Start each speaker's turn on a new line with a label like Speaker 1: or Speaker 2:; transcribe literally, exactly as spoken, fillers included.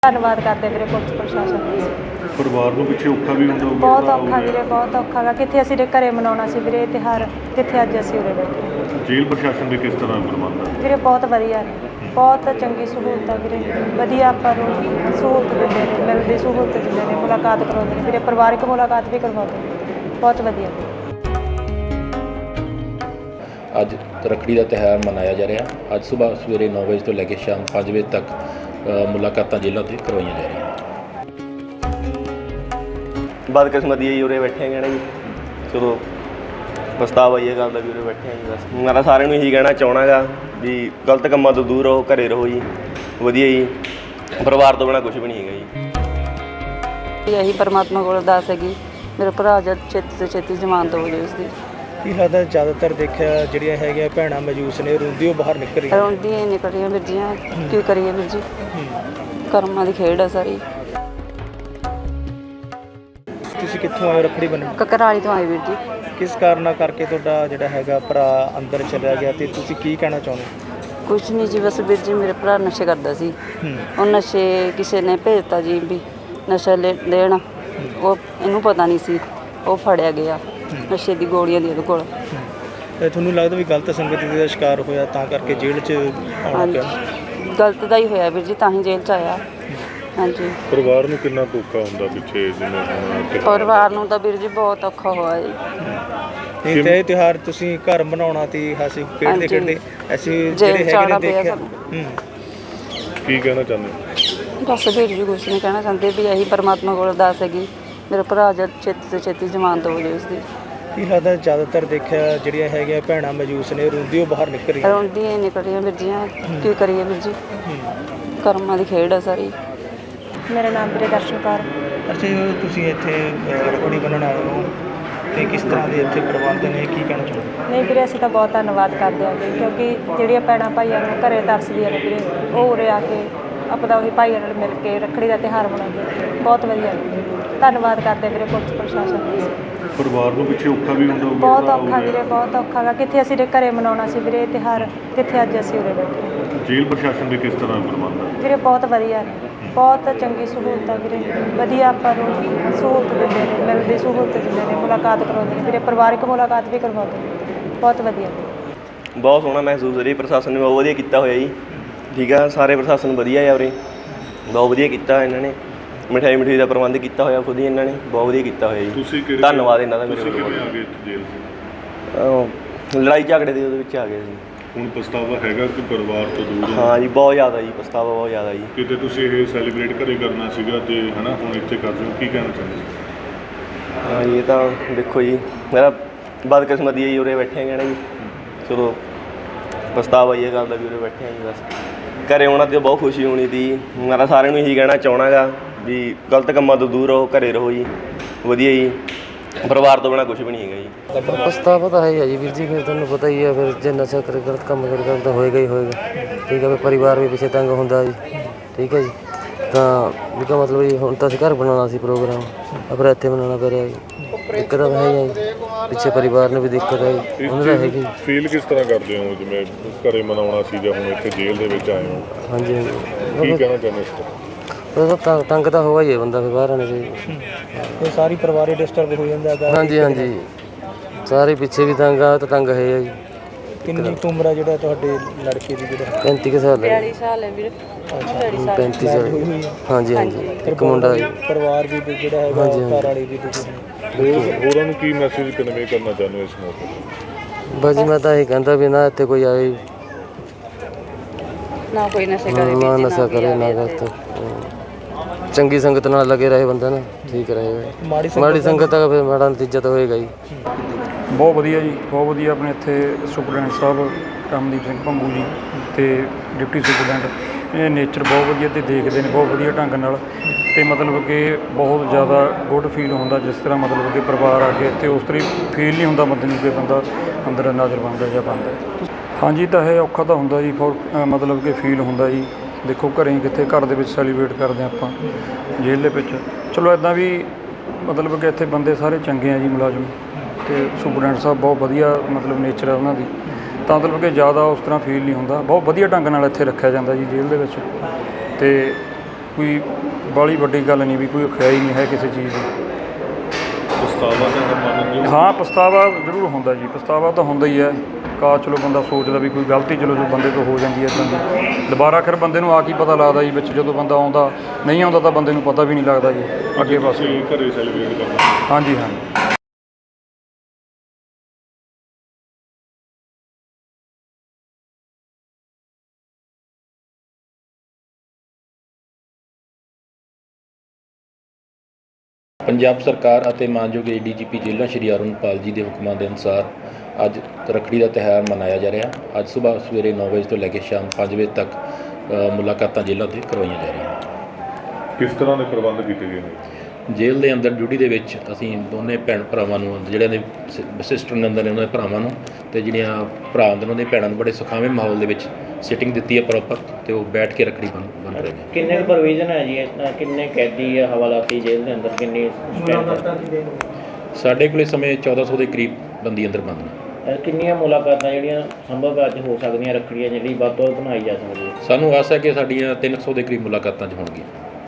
Speaker 1: ਧੰਨਵਾਦ ਕਰਦੇ ਵੀਰੇ ਪੁਲਿਸ ਪ੍ਰਸ਼ਾਸਨ ਦਾ।
Speaker 2: ਪਰਿਵਾਰ ਨੂੰ ਪਿੱਛੇ ਔਖਾ ਵੀ ਹੁੰਦਾ ਹੋਊਗਾ?
Speaker 1: ਬਹੁਤ ਔਖਾ ਵੀਰੇ, ਬਹੁਤ ਔਖਾ ਗਾ। ਕਿੱਥੇ ਅਸੀਂ ਘਰੇ ਮਨਾਉਣਾ ਸੀ ਵੀਰੇ ਤਿਉਹਾਰ, ਕਿੱਥੇ ਅੱਜ ਅਸੀਂ ਉਰੇ ਬੈਠੇ।
Speaker 2: ਜੇਲ੍ਹ ਪ੍ਰਸ਼ਾਸਨ ਦੇ ਕਿਸ ਤਰ੍ਹਾਂ ਪ੍ਰਬੰਧ ਹੈ?
Speaker 1: ਵੀਰੇ ਬਹੁਤ ਵਧੀਆ ਨੇ, ਬਹੁਤ ਚੰਗੀ ਸਹੂਲਤ ਆ ਵੀਰੇ, ਵਧੀਆ ਆਪਾਂ ਨੂੰ ਸਹੂਲਤ ਦਿੰਦੇ ਨੇ, ਮਿਲਦੀ ਸਹੂਲਤ ਦਿੰਦੇ ਨੇ, ਮੁਲਾਕਾਤ ਕਰਾਉਂਦੇ ਨੇ ਵੀਰੇ, ਪਰਿਵਾਰਿਕ ਮੁਲਾਕਾਤ ਵੀ ਕਰਵਾਉਂਦੇ ਨੇ, ਬਹੁਤ ਵਧੀਆ।
Speaker 3: ਅੱਜ ਰੱਖੜੀ ਦਾ ਤਿਉਹਾਰ ਮਨਾਇਆ ਜਾ ਰਿਹਾ। ਅੱਜ ਸੁਬਾਹ ਸਵੇਰੇ ਨੌ ਵਜੇ ਤੋਂ ਲੈ ਕੇ ਸ਼ਾਮ ਪੰਜ ਵਜੇ ਤੱਕ ਮੁਲਾਕਾਤਾਂ ਜੇਲ੍ਹਾਂ 'ਤੇ ਕਰਵਾਈਆਂ ਜਾ ਰਹੀਆਂ।
Speaker 4: ਬਦਕਿਸਮਤੀ ਹੈ ਜੀ, ਉਰੇ ਬੈਠੇ ਹੈਗੇ ਨਾ ਜੀ। ਚਲੋ ਪਛਤਾਵਾ ਹੀ ਇਹ ਗੱਲ ਦਾ ਵੀ ਉਰੇ ਬੈਠੇ ਹਾਂ ਜੀ। ਬਸ ਮੈਂ ਤਾਂ ਸਾਰਿਆਂ ਨੂੰ ਇਹੀ ਕਹਿਣਾ ਚਾਹੁੰਦਾ ਗਾ ਵੀ ਗਲਤ ਕੰਮਾਂ ਤੋਂ ਦੂਰ ਰਹੋ, ਘਰੇ ਰਹੋ ਜੀ, ਵਧੀਆ ਜੀ। ਪਰਿਵਾਰ ਤੋਂ ਬਿਨਾਂ ਕੁਛ ਵੀ ਨਹੀਂ ਹੈਗਾ ਜੀ।
Speaker 5: ਇਹੀ ਪਰਮਾਤਮਾ ਕੋਲ ਅਰਦਾਸ ਹੈਗੀ ਮੇਰੇ ਭਰਾ ਜਦ ਛੇਤੀ ਤੋਂ ਛੇਤੀ ਜ਼ਮਾਨਤ ਹੋ ਜਾਵੇ ਉਸਦੀ।
Speaker 6: ਕੀ ਲੱਗਦਾ ਜ਼ਿਆਦਾਤਰ ਦੇਖਿਆ ਜਿਹੜੀਆਂ ਹੈਗੀਆਂ ਭੈਣਾਂ ਮਜੂਸ ਨੇ ਰੋਂਦੀ ਉਹ ਬਾਹਰ ਨਿਕਲ ਰਹੀਆਂ
Speaker 5: ਰੋਂਦੀਆਂ ਹੀ ਨਿਕਲ ਰਹੀਆਂ ਵੀਰ ਜੀਆਂ, ਕੀ ਕਰੀਏ ਵੀਰ ਜੀ, ਕਰਮਾਂ ਦੀ ਖੇਡ ਆ ਸਾਰੀ।
Speaker 6: ਤੁਸੀਂ ਕਿੱਥੋਂ ਆਏ ਰੱਖੜੀ ਬੰਨ੍ਹਣ?
Speaker 5: ਕਕਰਾਲੀ ਤੋਂ ਆਏ ਵੀਰ ਜੀ।
Speaker 6: ਕਿਸ ਕਾਰਨਾਂ ਕਰਕੇ ਤੁਹਾਡਾ ਜਿਹੜਾ ਹੈਗਾ ਭਰਾ ਅੰਦਰ ਚਲਿਆ ਗਿਆ ਤੇ ਤੁਸੀਂ ਕੀ ਕਹਿਣਾ ਚਾਹੁੰਦੇ?
Speaker 5: ਕੁਛ ਨਹੀਂ ਜੀ, ਬਸ ਵੀਰ ਜੀ ਮੇਰੇ ਭਰਾ ਨਸ਼ੇ ਕਰਦਾ ਸੀ। ਉਹ ਨਸ਼ੇ ਕਿਸੇ ਨੇ ਭੇਜਤਾ ਜੀ ਵੀ ਨਸ਼ਾ ਲੈ ਲੈਣ, ਉਹ ਇਹਨੂੰ ਪਤਾ ਨਹੀਂ ਸੀ, ਉਹ ਫੜਿਆ ਗਿਆ ਨਸ਼ੇ ਦੀ ਗੋਲੀਆਂ ਦੀ ਉਹਦੇ ਕੋਲ।
Speaker 6: ਤੇ ਤੁਹਾਨੂੰ ਲੱਗਦਾ ਵੀ ਗਲਤ ਸੰਗਤ ਦਾ ਸ਼ਿਕਾਰ ਹੋਇਆ ਤਾਂ ਕਰਕੇ ਜੇਲ੍ਹ 'ਚ ਆਉਣਾ ਪਿਆ?
Speaker 5: ਗਲਤ ਦਾ ਹੀ ਹੋਇਆ ਵੀਰ ਜੀ, ਤਾਂ ਹੀ ਜੇਲ੍ਹ 'ਚ ਆਇਆ। ਹਾਂਜੀ,
Speaker 2: ਪਰਿਵਾਰ ਨੂੰ ਕਿੰਨਾ ਔਖਾ ਹੁੰਦਾ ਪਿੱਛੇ ਜਿਵੇਂ ਹੁਣ?
Speaker 5: ਪਰਿਵਾਰ ਨੂੰ ਤਾਂ ਵੀਰ ਜੀ ਬਹੁਤ ਔਖਾ ਹੋਇਆ ਜੀ।
Speaker 6: ਨਹੀਂ ਤੇ ਇਹ ਤਿਉਹਾਰ ਤੁਸੀਂ ਘਰ ਬਣਾਉਣਾ ਤੀ, ਹਾਸੀ ਖੇਡਦੇ ਖੇਡਦੇ ਅਸੀਂ ਜਿਹੜੇ ਹੈਗੇ ਨੇ ਦੇਖਿਆ।
Speaker 2: ਕੀ ਕਹਿਣਾ ਚਾਹੁੰਦੇ?
Speaker 5: ਬਸ ਵੀਰ ਜੀ ਕੁਛ ਨਹੀਂ ਕਹਿਣਾ ਚਾਹੁੰਦੇ ਵੀ ਇਹੀ ਪਰਮਾਤਮਾ ਕੋਲ ਅਰਦਾਸ ਹੈਗੀ ਮੇਰੇ ਭਰਾ ਜਦ ਛੇਤੀ ਤੋਂ ਛੇਤੀ ਜ਼ਮਾਨਤ ਹੋ ਜਾਵੇ ਉਸਦੀ।
Speaker 6: ਕੀ ਲੱਗਦਾ ਜ਼ਿਆਦਾਤਰ ਦੇਖਿਆ ਜਿਹੜੀਆਂ ਹੈਗੀਆਂ ਭੈਣਾਂ ਮਜੂਸ ਨੇ ਰੋਂਦੀ ਉਹ ਬਾਹਰ ਨਿਕਲ ਰਹੀਆਂ
Speaker 5: ਰੋਂਦੀਆਂ ਹੀ ਨਿਕਲ ਰਹੀਆਂ ਵੀਰ ਜੀਆਂ, ਕੀ ਕਰੀਏ ਵੀਰ ਜੀ, ਕਰਮਾਂ ਦੀ ਖੇਡ ਆ ਸਾਰੀ।
Speaker 1: ਮੇਰਾ ਨਾਮ ਵੀਰੇ ਦਰਸ਼ਨਕਾਰ।
Speaker 6: ਅੱਛਾ ਜੀ, ਤੁਸੀਂ ਇੱਥੇ ਰੱਖੜੀ ਬੰਨ੍ਹਣ ਆਏ ਹੋ ਤੇ ਕਿਸ ਤਰ੍ਹਾਂ ਦੇ ਇੱਥੇ ਪ੍ਰਬੰਧ ਨੇ, ਕੀ ਕਹਿਣਾ ਚਾਹੁੰਦੇ?
Speaker 1: ਨਹੀਂ ਵੀਰੇ, ਅਸੀਂ ਤਾਂ ਬਹੁਤ ਧੰਨਵਾਦ ਕਰਦੇ ਹਾਂ ਜੀ, ਕਿਉਂਕਿ ਜਿਹੜੀਆਂ ਭੈਣਾਂ ਭਾਈਆਂ ਨੂੰ ਘਰੇ ਤਰਸਦੀਆਂ ਨੇ ਵੀਰੇ, ਉਹ ਉਰੇ ਆ ਕੇ ਆਪਣਾ ਉਹੀ ਭਾਈਆਂ ਨਾਲ ਮਿਲ ਕੇ ਰੱਖੜੀ ਦਾ ਤਿਉਹਾਰ ਮਨਾਉਂਦੇ, ਬਹੁਤ ਵਧੀਆ। ਧੰਨਵਾਦ ਕਰਦੇ ਵੀਰੇ ਪੁਲਿਸ ਪ੍ਰਸ਼ਾਸਨ ਦਾ।
Speaker 2: ਪਰਿਵਾਰ ਨੂੰ ਪਿੱਛੇ ਔਖਾ ਵੀ ਹੁੰਦਾ ਹੋਊਗਾ?
Speaker 1: ਬਹੁਤ ਔਖਾ ਵੀਰੇ, ਬਹੁਤ ਔਖਾ ਗਾ। ਕਿੱਥੇ ਅਸੀਂ ਘਰੇ ਮਨਾਉਣਾ ਸੀ ਵੀਰੇ ਤਿਉਹਾਰ, ਕਿੱਥੇ ਅੱਜ ਅਸੀਂ ਉਰੇ ਬੈਠੇ।
Speaker 2: ਜੇਲ੍ਹ ਪ੍ਰਸ਼ਾਸਨ ਦੇ ਕਿਸ ਤਰ੍ਹਾਂ ਪ੍ਰਬੰਧ ਹੈ?
Speaker 1: ਵੀਰੇ ਬਹੁਤ ਵਧੀਆ ਨੇ, ਬਹੁਤ ਚੰਗੀ ਸਹੂਲਤ ਆ ਵੀਰੇ, ਵਧੀਆ ਆਪਾਂ ਨੂੰ ਸਹੂਲਤ ਦਿੰਦੇ ਨੇ, ਮਿਲਦੀ ਸਹੂਲਤ ਦਿੰਦੇ ਨੇ, ਮੁਲਾਕਾਤ ਕਰਾਉਂਦੇ ਨੇ ਵੀਰੇ, ਪਰਿਵਾਰਿਕ ਮੁਲਾਕਾਤ ਵੀ ਕਰਵਾਉਂਦੇ ਨੇ, ਬਹੁਤ ਵਧੀਆ।
Speaker 4: ਬਹੁਤ ਸੋਹਣਾ ਮਹਿਸੂਸ ਹੋ ਰਿਹਾ। ਪ੍ਰਸ਼ਾਸਨ ਨੇ ਬਹੁਤ ਵਧੀਆ ਕੀਤਾ ਹੋਇਆ ਜੀ, ਠੀਕ ਆ। ਸਾਰੇ ਪ੍ਰਸ਼ਾਸਨ ਵਧੀਆ ਆ ਉਰੇ, ਬਹੁਤ ਵਧੀਆ ਕੀਤਾ ਇਹਨਾਂ ਨੇ। ਮਿਠਾਈ ਮਿਠਾਈ ਦਾ ਪ੍ਰਬੰਧ ਕੀਤਾ ਹੋਇਆ ਖੁਦ ਹੀ ਇਹਨਾਂ ਨੇ, ਬਹੁਤ ਵਧੀਆ ਕੀਤਾ ਹੋਇਆ ਜੀ।
Speaker 2: ਤੁਸੀਂ ਕਿਹੜੇ
Speaker 4: ਧੰਨਵਾਦ ਇਹਨਾਂ ਦਾ ਮੇਰੇ
Speaker 2: ਤੁਸੀਂ
Speaker 4: ਵੱਲੋਂ।
Speaker 2: ਕਿਵੇਂ ਆ ਗਏ ਜੇਲ੍ਹ 'ਚ?
Speaker 4: ਲੜਾਈ ਝਗੜੇ ਦੇ ਉਹਦੇ ਵਿੱਚ ਆ ਗਏ ਸੀ।
Speaker 2: ਹੁਣ ਪਛਤਾਵਾ ਹੈਗਾ ਕਿ ਪਰਿਵਾਰ ਤੋਂ ਦੂਰ ਹੋ?
Speaker 4: ਹਾਂ ਜੀ, ਬਹੁਤ ਜ਼ਿਆਦਾ ਜੀ, ਪਛਤਾਵਾ ਬਹੁਤ ਜ਼ਿਆਦਾ ਜੀ।
Speaker 2: ਕਿਤੇ ਤੁਸੀਂ ਇਹ ਸੈਲੀਬ੍ਰੇਟ ਘਰੇ ਕਰਨਾ ਸੀਗਾ ਤੇ ਹੈ ਨਾ, ਹੁਣ ਇੱਥੇ ਕਰ ਰਹੇ ਹੋ, ਕੀ ਕਹਿਣਾ ਚਾਹੁੰਦੇ ਸੀ?
Speaker 4: ਹਾਂ ਜੀ, ਇਹ ਤਾਂ ਦੇਖੋ ਜੀ, ਮੇਰਾ ਬਦਕਿਸਮਤੀ ਹੈ ਜੀ, ਉਰੇ ਬੈਠੇ ਹੈਗੇ ਨਾ ਜੀ। ਚਲੋ ਪਛਤਾਵਾ ਹੀ ਇਹ ਗੱਲ ਦਾ ਵੀ ਉਰੇ ਬੈਠੇ ਹਾਂ ਜੀ। ਬਸ ਘਰੇ ਆਉਣਾ ਤੇ ਬਹੁਤ ਖੁਸ਼ੀ ਹੋਣੀ ਤੀ। ਮੈਂ ਤਾਂ ਸਾਰਿਆਂ ਨੂੰ ਇਹੀ ਕਹਿਣਾ ਚਾਹੁੰਦਾ ਗਾ ਵੀ ਗਲਤ ਕੰਮਾਂ ਤੋਂ ਦੂਰ ਰਹੋ, ਘਰੇ ਰਹੋ ਜੀ, ਵਧੀਆ ਜੀ। ਪਰਿਵਾਰ ਤੋਂ ਬਿਨਾਂ ਕੁਛ ਵੀ ਨਹੀਂ ਹੈਗਾ ਜੀ।
Speaker 7: ਪਛਤਾਵਾ ਤਾਂ ਹੈ ਹੀ ਹੈ ਜੀ ਵੀਰ ਜੀ, ਫਿਰ ਤੁਹਾਨੂੰ ਪਤਾ ਹੀ ਹੈ, ਫਿਰ ਜੇ ਨਸ਼ਾ ਕਰ ਗਲਤ ਕੰਮ ਕਰ ਤਾਂ ਹੋਏਗਾ ਹੀ ਹੋਏਗਾ। ਠੀਕ ਹੈ, ਫਿਰ ਪਰਿਵਾਰ ਵੀ ਪਿੱਛੇ ਤੰਗ ਹੁੰਦਾ ਜੀ। ਠੀਕ ਹੈ ਜੀ, ਤਾਂ ਵੀ ਕਾ ਮਤਲਬ ਜੀ ਹੁਣ ਤਾਂ ਅਸੀਂ ਘਰ ਬਣਾਉਣਾ ਸੀ ਪ੍ਰੋਗਰਾਮ, ਪਰ ਇੱਥੇ ਬਣਾਉਣਾ ਪੈ ਰਿਹਾ ਜੀ। ਦਿੱਕਤ ਤਾਂ ਹੈ ਹੀ ਜੀ, ਪਿੱਛੇ ਪਰਿਵਾਰ ਨੂੰ ਵੀ ਦਿੱਕਤ ਹੈ ਜੀ, ਉਹਨਾਂ ਦਾ ਹੈਗੀ।
Speaker 2: ਫੀਲ ਕਿਸ ਤਰ੍ਹਾਂ ਕਰਦੇ ਹੋ ਜਿਵੇਂ ਘਰੇ ਮਨਾਉਣਾ ਸੀ ਜਾਂ ਹੁਣ ਇੱਥੇ ਜੇਲ੍ਹ ਦੇ ਵਿੱਚ ਆਏ ਹੋ?
Speaker 7: ਹਾਂਜੀ ਹਾਂਜੀ,
Speaker 2: ਕੀ ਕਹਿਣਾ ਚਾਹੁੰਦੇ ਇਸ
Speaker 7: ਉਹ ਤਾਂ ਤੰਗ ਤਾਂ ਹੋਇਆ ਹੀ ਹੈ ਬੰਦਾ, ਫਿਰ ਬਾਹਰ ਆਉਣੇ ਚਾਹੀਦਾ।
Speaker 6: ਇਹ ਸਾਰੀ ਪਰਿਵਾਰ ਹੀ ਡਿਸਟਰਬ ਹੋ ਜਾਂਦਾ ਹੈਗਾ।
Speaker 7: ਹਾਂਜੀ ਹਾਂਜੀ, ਸਾਰੇ ਪਿੱਛੇ ਵੀ ਤੰਗ ਆ, ਤਾਂ ਤੰਗ ਹੈ ਜੀ।
Speaker 6: ਕਿੰਨੀ ਕੁ ਉਮਰ ਆ ਜਿਹੜਾ ਤੁਹਾਡੇ ਲੜਕੇ ਦੀ? ਜਿਹੜਾ
Speaker 7: ਪੈਂਤੀ ਕੁ ਸਾਲ ਹੈ।
Speaker 5: ਬਿਆਲੀ ਸਾਲ ਹੈ ਵੀਰੇ।
Speaker 7: ਪੈਂਤੀ ਸਾਲ।
Speaker 6: ਹੋਈ ਹੋਈ ਆ?
Speaker 7: ਹਾਂਜੀ ਹਾਂਜੀ, ਇੱਕ ਮੁੰਡਾ ਜੀ।
Speaker 6: ਪਰਿਵਾਰ ਵੀ ਜਿਹੜਾ ਹੈਗਾ ਘਰ ਵਾਲੀ ਵੀ ਤੁਸੀਂ
Speaker 2: ਹੋਰ ਹੋਰਾਂ ਨੂੰ ਕੀ ਮੈਸੇਜ ਕਨਵੇ ਕਰਨਾ ਚਾਹੁੰਦੇ ਹੋ ਇਸ ਮੌਕੇ?
Speaker 7: ਬਸ ਜੀ ਮੈਂ ਤਾਂ ਇਹ ਕਹਿੰਦਾ ਵੀ ਨਾ ਇੱਥੇ ਕੋਈ ਆਏ
Speaker 5: ਨਾ ਕੋਈ ਨਸ਼ੇ ਕਰੇ,
Speaker 7: ਨਾ ਨਸ਼ਾ ਕਰੇ, ਨਾ ਗਲਤ ਚੰਗੀ ਸੰਗਤ ਨਾਲ ਲੱਗੇ ਰਹੇ ਬੰਦਾ ਨਾ, ਠੀਕ ਰਹੇਗਾ। ਮਾੜੀ ਸੰਗਤ ਦਾ ਫਿਰ ਮਾੜਾ ਨਤੀਜਾ ਤਾਂ ਹੋਏਗਾ ਜੀ।
Speaker 8: ਬਹੁਤ ਵਧੀਆ ਜੀ, ਬਹੁਤ ਵਧੀਆ। ਆਪਣੇ ਇੱਥੇ ਸੁਪਰਡੈਂਟ ਸਾਹਿਬ ਰਮਨਦੀਪ ਸਿੰਘ ਭੰਗੂ ਜੀ ਅਤੇ ਡਿਪਟੀ ਸੁਪਰਡੈਂਟ, ਇਹ ਨੇਚਰ ਬਹੁਤ ਵਧੀਆ ਅਤੇ ਦੇਖਦੇ ਨੇ ਬਹੁਤ ਵਧੀਆ ਢੰਗ ਨਾਲ, ਅਤੇ ਮਤਲਬ ਕਿ ਬਹੁਤ ਜ਼ਿਆਦਾ ਗੁੱਡ ਫੀਲ ਹੁੰਦਾ ਜਿਸ ਤਰ੍ਹਾਂ ਮਤਲਬ ਕਿ ਪਰਿਵਾਰ ਆ ਕੇ ਇੱਥੇ ਉਸ ਤਰ੍ਹਾਂ ਫੀਲ ਨਹੀਂ ਹੁੰਦਾ ਬੰਦੇ ਨੂੰ ਕਿ ਬੰਦਾ ਅੰਦਰ ਨਾਜ਼ਰ ਬਣਦਾ ਜਾਂ ਬਣਦਾ। ਹਾਂਜੀ, ਤਾਂ ਇਹ ਔਖਾ ਤਾਂ ਹੁੰਦਾ ਜੀ, ਫੋਰ ਮਤਲਬ ਕਿ ਫੀਲ ਹੁੰਦਾ ਜੀ। ਦੇਖੋ ਘਰੇ ਕਿੱਥੇ, ਘਰ ਦੇ ਵਿੱਚ ਸੈਲੀਬ੍ਰੇਟ ਕਰਦੇ ਆਪਾਂ, ਜੇਲ੍ਹ ਦੇ ਵਿੱਚ ਚਲੋ ਇੱਦਾਂ ਵੀ ਮਤਲਬ ਕਿ ਇੱਥੇ ਬੰਦੇ ਸਾਰੇ ਚੰਗੇ ਆ ਜੀ, ਮੁਲਾਜ਼ਮ ਅਤੇ ਸੁਪਰਡੈਂਟ ਸਾਹਿਬ ਬਹੁਤ ਵਧੀਆ ਮਤਲਬ ਨੇਚਰ ਆ ਉਹਨਾਂ ਦੀ, ਤਾਂ ਮਤਲਬ ਕਿ ਜ਼ਿਆਦਾ ਉਸ ਤਰ੍ਹਾਂ ਫੀਲ ਨਹੀਂ ਹੁੰਦਾ। ਬਹੁਤ ਵਧੀਆ ਢੰਗ ਨਾਲ ਇੱਥੇ ਰੱਖਿਆ ਜਾਂਦਾ ਜੀ ਜੇਲ੍ਹ ਦੇ ਵਿੱਚ, ਅਤੇ ਕੋਈ ਬਾਹਲੀ ਵੱਡੀ ਗੱਲ ਨਹੀਂ ਵੀ ਕੋਈ ਖਿਆਈ ਨਹੀਂ ਹੈ ਕਿਸੇ ਚੀਜ਼ ਦੀ।
Speaker 2: ਪਛਤਾਵਾ ਤਾਂ ਮੰਨਦੇ ਹੋ?
Speaker 8: ਹਾਂ ਪਛਤਾਵਾ ਜ਼ਰੂਰ ਹੁੰਦਾ ਜੀ, ਪਛਤਾਵਾ ਤਾਂ ਹੁੰਦਾ ਹੀ ਹੈ। ਕਾ ਚਲੋ ਬੰਦਾ ਸੋਚਦਾ ਵੀ ਕੋਈ ਗਲਤੀ ਚਲੋ ਜੋ ਬੰਦੇ ਤੋਂ ਹੋ ਜਾਂਦੀ ਹੈ ਇੱਦਾਂ ਦੀ, ਦੁਬਾਰਾ ਫਿਰ ਬੰਦੇ ਨੂੰ ਆ ਕੀ ਪਤਾ ਲੱਗਦਾ ਜੀ ਵਿੱਚ ਜਦੋਂ ਬੰਦਾ ਆਉਂਦਾ ਨਹੀਂ ਆਉਂਦਾ ਤਾਂ ਬੰਦੇ ਨੂੰ ਪਤਾ ਵੀ ਨਹੀਂ ਲੱਗਦਾ ਜੀ ਅੱਗੇ ਬਸ।
Speaker 2: ਤੁਸੀਂ ਘਰੇ ਸੈਲੀਬ੍ਰੇਟ ਕਰਨਾ?
Speaker 8: ਹਾਂਜੀ ਹਾਂਜੀ।
Speaker 3: ਪੰਜਾਬ ਸਰਕਾਰ ਅਤੇ ਮਾਨਯੋਗ ਏ ਡੀ ਜੀ ਪੀ ਜੇਲ੍ਹਾਂ ਸ਼੍ਰੀ ਅਰੁਣਪਾਲ ਜੀ ਦੇ ਹੁਕਮਾਂ ਦੇ ਅਨੁਸਾਰ ਅੱਜ ਰੱਖੜੀ ਦਾ ਤਿਉਹਾਰ ਮਨਾਇਆ ਜਾ ਰਿਹਾ। ਅੱਜ ਸੁਬਾਹ ਸਵੇਰੇ ਨੌ ਵਜੇ ਤੋਂ ਲੈ ਕੇ ਸ਼ਾਮ ਪੰਜ ਵਜੇ ਤੱਕ ਅ, ਮੁਲਾਕਾਤਾਂ ਜੇਲ੍ਹਾਂ 'ਤੇ ਕਰਵਾਈਆਂ ਜਾ ਰਹੀਆਂ।
Speaker 2: ਕਿਸ ਤਰ੍ਹਾਂ ਦੇ ਪ੍ਰਬੰਧ ਕੀਤੇ ਗਏ ਨੇ?
Speaker 3: ਜੇਲ੍ਹ ਦੇ ਅੰਦਰ ਡਿਊਟੀ ਦੇ ਵਿੱਚ ਅਸੀਂ ਦੋਨੇ ਭੈਣ ਭਰਾਵਾਂ ਨੂੰ, ਜਿਹੜਿਆਂ ਦੇ ਸਿਸਟਰ ਨੇ ਅੰਦਰ ਨੇ ਉਹਨਾਂ ਦੇ ਭਰਾਵਾਂ ਨੂੰ, ਅਤੇ ਜਿਹੜੀਆਂ ਭਰਾ ਅੰਦਰ ਉਹਨਾਂ ਦੀਆਂ ਭੈਣਾਂ ਨੂੰ ਬੜੇ ਸੁਖਾਵੇਂ ਮਾਹੌਲ ਦੇ ਵਿੱਚ ਸਿਟਿੰਗ ਦਿੱਤੀ ਹੈ ਪ੍ਰੋਪਰ, ਅਤੇ ਉਹ ਬੈਠ ਕੇ ਰੱਖੜੀ ਬੰਨ ਬੰਨ ਰਹੇ ਨੇ।
Speaker 9: ਕਿੰਨੇ ਕੁ ਪ੍ਰੋਵੀਜ਼ਨ ਹੈ ਜੀ ਇਸ ਤਰ੍ਹਾਂ, ਕਿੰਨੇ ਕੈਦੀ ਆ ਹਵਾਲਾਤੀ ਜੇਲ੍ਹ ਦੇ ਅੰਦਰ, ਕਿੰਨੀ
Speaker 3: ਸਾਡੇ ਕੋਲ ਇਸ ਸਮੇਂ ਚੌਦਾਂ ਸੌ ਦੇ ਕਰੀਬ ਬੰਦੀ ਅੰਦਰ ਬੰਦ ਨੇ।
Speaker 9: ਕਿੰਨੀਆਂ ਮੁਲਾਕਾਤਾਂ ਜਿਹੜੀਆਂ ਸੰਭਵ ਅੱਜ ਹੋ ਸਕਦੀਆਂ ਰੱਖੜੀਆਂ ਜਿਹੜੀ ਵੱਧ ਤੋਂ ਵੱਧ ਬਣਾਈ ਜਾ ਸਕਦੀ ਹੈ?
Speaker 3: ਸਾਨੂੰ ਆਸ ਹੈ ਕਿ ਸਾਡੀਆਂ ਤਿੰਨ ਸੌ ਦੇ ਕਰੀਬ ਮੁਲਾਕਾਤਾਂ 'ਚ ਹੋਣਗੀਆਂ।